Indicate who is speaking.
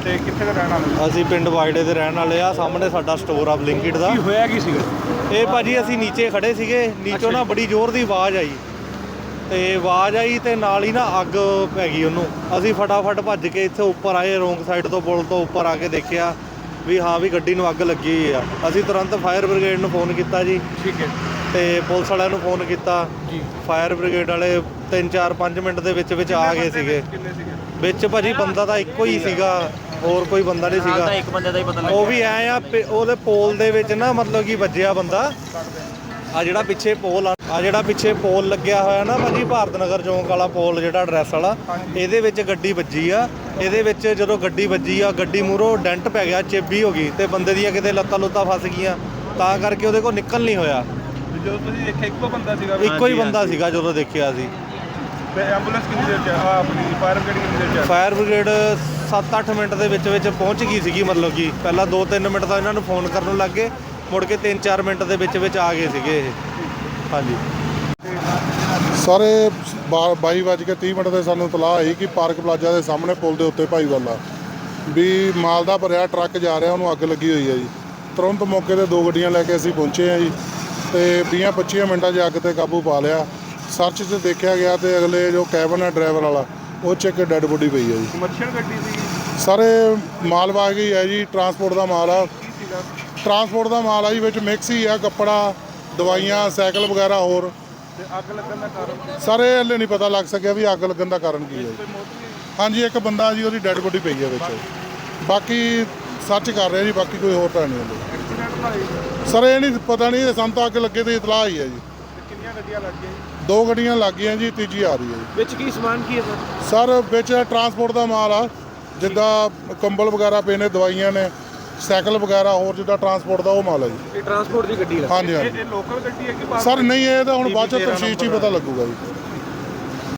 Speaker 1: ਤੇ ਕਿੱਥੇ ਦੇ ਰਹਿਣ ਵਾਲੇ?
Speaker 2: ਅਸੀਂ ਪਿੰਡ ਵਾਈੜੇ ਦੇ ਰਹਿਣ ਵਾਲੇ ਆ। ਸਾਹਮਣੇ ਸਾਡਾ ਸਟੋਰ ਆ ਬਲਿੰਕਿਟ ਦਾ।
Speaker 1: ਕੀ ਹੋਇਆ ਕੀ ਸੀਗਾ?
Speaker 2: ਇਹ ਭਾਜੀ ਅਸੀਂ ਨੀਚੇ ਖੜੇ ਸੀਗੇ, ਨੀਚੋਂ ਨਾ ਬੜੀ ਜ਼ੋਰ ਦੀ ਆਵਾਜ਼ ਆਈ ਤੇ ਆਵਾਜ਼ ਆਈ ਤੇ ਨਾਲ ਹੀ ਨਾ ਅੱਗ ਪੈ ਗਈ ਉਹਨੂੰ। ਅਸੀਂ ਫਟਾਫਟ ਭੱਜ ਕੇ ਇੱਥੇ ਉੱਪਰ ਆਏ, ਰੋਂਗ ਸਾਈਡ ਤੋਂ ਪੁਲ ਤੋਂ ਉੱਪਰ ਆ ਕੇ ਦੇਖਿਆ ਵੀ ਹਾਂ ਵੀ ਗੱਡੀ ਨੂੰ ਅੱਗ ਲੱਗੀ ਹੋਈ ਆ। ਅਸੀਂ ਤੁਰੰਤ ਫਾਇਰ ਬ੍ਰਿਗੇਡ ਨੂੰ ਫੋਨ ਕੀਤਾ ਜੀ।
Speaker 1: ਠੀਕ ਹੈ।
Speaker 2: ਤੇ ਪੁਲਿਸ ਵਾਲਿਆਂ ਨੂੰ ਫੋਨ ਕੀਤਾ
Speaker 1: ਜੀ।
Speaker 2: ਫਾਇਰ ਬ੍ਰਿਗੇਡ ਵਾਲੇ 3-4-5 ਮਿੰਟ ਦੇ ਵਿੱਚ ਆ ਗਏ ਸੀਗੇ।
Speaker 1: ਕਿੰਨੇ ਸੀਗੇ
Speaker 2: ਵਿੱਚ ਭਾਜੀ ਬੰਦਾ ਤਾਂ ਇੱਕੋ ਹੀ ਸੀਗਾ, ਹੋਰ ਕੋਈ ਬੰਦਾ ਨਹੀਂ ਸੀਗਾ।
Speaker 3: ਇੱਕ ਬੰਦੇ ਦਾ ਹੀ ਪਤਾ
Speaker 2: ਉਹ ਵੀ ਐ ਆ ਉਹਦੇ ਪੋਲ ਦੇ ਵਿੱਚ ਨਾ ਮਤਲਬ ਕਿ ਵੱਜਿਆ ਬੰਦਾ। ਆ ਜਿਹੜਾ ਪਿੱਛੇ ਪੋਲ ਆ ਜਿਹੜਾ ਪਿੱਛੇ ਪੋਲ ਲੱਗਿਆ ਹੋਇਆ ਨਾ ਭਾਜੀ, ਭਾਰਤ ਨਗਰ ਚੌਂਕ ਵਾਲਾ ਪੋਲ ਜਿਹੜਾ ਐਡਰੈਸ ਵਾਲਾ, ਇਹਦੇ ਵਿੱਚ ਗੱਡੀ ਵੱਜੀ ਆ। ਇਹਦੇ ਵਿੱਚ ਜਦੋਂ ਗੱਡੀ ਵੱਜੀ ਆ, ਗੱਡੀ ਮੂਹਰੋਂ ਡੈਂਟ ਪੈ ਗਿਆ, ਚੇਬੀ ਹੋ ਗਈ ਤੇ ਬੰਦੇ ਦੀਆਂ ਕਿਤੇ ਲੱਤਾਂ ਲੁੱਤਾਂ ਫਸ ਗਈਆਂ, ਤਾਂ ਕਰਕੇ ਉਹਦੇ ਕੋਲ ਨਿਕਲ ਨਹੀਂ ਹੋਇਆ।
Speaker 1: ਜਦੋਂ ਤੁਸੀਂ ਦੇਖਿਆ ਇੱਕੋ ਬੰਦਾ ਸੀਗਾ?
Speaker 2: ਇੱਕੋ ਹੀ ਬੰਦਾ ਸੀਗਾ ਜਦੋਂ ਦੇਖਿਆ ਸੀ।
Speaker 1: ਤੇ ਐਂਬੂਲੈਂਸ ਕਿੰਨੀ ਦੇਰ ਚ ਆਪਣੀ ਫਾਇਰ ਬ੍ਰਿਗੇਡ ਕਿੰਨੀ ਦੇਰ ਚ?
Speaker 2: ਫਾਇਰ ਬ੍ਰਿਗੇਡ 7-8 ਮਿੰਟ ਦੇ ਵਿੱਚ ਪਹੁੰਚ ਗਈ ਸੀਗੀ। ਮਤਲਬ ਕਿ ਪਹਿਲਾਂ 2-3 ਮਿੰਟ ਤਾਂ ਇਹਨਾਂ ਨੂੰ ਫੋਨ ਕਰਨ ਲੱਗ ਗਏ, ਮੁੜ ਕੇ 3-4 ਮਿੰਟ ਦੇ ਵਿੱਚ ਆ ਗਏ ਸੀਗੇ ਇਹ। ਹਾਂਜੀ
Speaker 4: ਸਾਰੇ 22:30 ਤੇ ਸਾਨੂੰ ਇਤਲਾਹ ਆਈ ਕਿ ਪਾਰਕ ਪਲਾਜ਼ਾ ਦੇ ਸਾਹਮਣੇ ਪੁਲ ਦੇ ਉੱਤੇ ਭਾਈਵਾਲਾ ਵੀ ਮਾਲ ਦਾ ਭਰਿਆ ਟਰੱਕ ਜਾ ਰਿਹਾ, ਉਹਨੂੰ ਅੱਗ ਲੱਗੀ ਹੋਈ ਹੈ ਜੀ। ਤੁਰੰਤ ਮੌਕੇ ਤੇ 2 ਗੱਡੀਆਂ ਲੈ ਕੇ ਅਸੀਂ ਪਹੁੰਚੇ ਹਾਂ ਜੀ ਤੇ 20-25 ਮਿੰਟਾਂ 'ਚ ਅੱਗ ਤੇ ਕਾਬੂ ਪਾ ਲਿਆ। ਸਰਚ 'ਚ ਦੇਖਿਆ ਗਿਆ ਤੇ ਅਗਲੇ ਜੋ ਕੈਬਨ ਹੈ ਡਰਾਈਵਰ ਵਾਲਾ, ਉਹ 'ਚ ਇੱਕ ਡੈੱਡ ਬੋਡੀ ਪਈ ਹੈ ਜੀ।
Speaker 1: ਕਮਰਸ਼ੀਅਲ ਗੱਡੀ ਸੀ
Speaker 4: ਸਾਰੇ ਮਾਲਵਾਹੀ ਹੈ ਜੀ, ਟਰਾਂਸਪੋਰਟ ਦਾ ਮਾਲ ਆ।
Speaker 1: ਕੀ ਸੀਗਾ?
Speaker 4: ਟਰਾਂਸਪੋਰਟ ਦਾ ਮਾਲ ਆ ਜੀ, ਵਿੱਚ ਮਿਕਸ ਹੀ ਆ, ਕੱਪੜਾ, ਦਵਾਈਆਂ, ਸਾਈਕਲ ਵਗੈਰਾ ਹੋਰ।
Speaker 1: ਤੇ ਅੱਗ ਲੱਗਣ ਦਾ ਕਾਰਨ?
Speaker 4: ਸਾਰੇ ਹਲੇ ਨਹੀਂ ਪਤਾ ਲੱਗ ਸਕਿਆ ਵੀ ਅੱਗ ਲੱਗਣ ਦਾ ਕਾਰਨ ਕੀ ਹੈ ਜੀ।
Speaker 1: ਕੋਈ ਮੌਤ ਨਹੀਂ?
Speaker 4: ਹਾਂਜੀ ਇੱਕ ਬੰਦਾ ਜੀ, ਉਹਦੀ ਡੈੱਡ ਬੋਡੀ ਪਈ ਹੈ ਵਿੱਚ। ਬਾਕੀ ਸਰਚ ਕਰ ਰਹੇ ਜੀ, ਬਾਕੀ ਕੋਈ ਹੋਰ ਤਾਂ ਨਹੀਂ ਹੁੰਦੀ।
Speaker 1: ਐਕਸੀਡੈਂਟ ਦਾ ਹੋਇਆ?
Speaker 4: ਸਰ ਇਹ ਨਹੀਂ ਪਤਾ ਨਹੀਂ, ਸਾਨੂੰ ਤਾਂ ਅੱਗ ਲੱਗੇ ਤੇ ਇਤਲਾਹ ਆਈ ਹੈ ਜੀ।
Speaker 1: ਤੇ ਕਿੰਨੀਆਂ ਗੱਡੀਆਂ ਲੱਗ ਗਈਆਂ?
Speaker 4: 2 ਗੱਡੀਆਂ ਲੱਗ ਗਈਆਂ ਜੀ, ਤੀਜੀ ਆ ਰਹੀ ਹੈ ਜੀ।
Speaker 1: ਵਿੱਚ ਕੀ ਸਮਾਨ ਕੀ ਹੈ ਸਰ?
Speaker 4: ਸਰ ਵਿੱਚ ਟਰਾਂਸਪੋਰਟ ਦਾ ਮਾਲ ਆ, ਜਿੱਦਾਂ ਕੰਬਲ ਵਗੈਰਾ ਪਏ ਨੇ, ਦਵਾਈਆਂ ਨੇ, ਸਾਈਕਲ ਵਗੈਰਾ ਹੋਰ ਜਿੱਦਾਂ ਟਰਾਂਸਪੋਰਟ ਦਾ ਉਹ ਮਾਲ ਹੈ ਜੀ।
Speaker 1: ਇਹ ਟਰਾਂਸਪੋਰਟ ਦੀ ਗੱਡੀ ਹੈ?
Speaker 4: ਹਾਂਜੀ ਹਾਂਜੀ
Speaker 1: ਇਹ ਲੋਕਲ ਗੱਡੀ ਹੈ ਕਿ ਬਾਹਰ?
Speaker 4: ਸਰ ਨਹੀਂ, ਇਹ ਤਾਂ ਹੁਣ ਬਾਅਦ ਚ ਤਫਸੀਲ 'ਚ ਹੀ ਪਤਾ ਲੱਗੂਗਾ ਜੀ।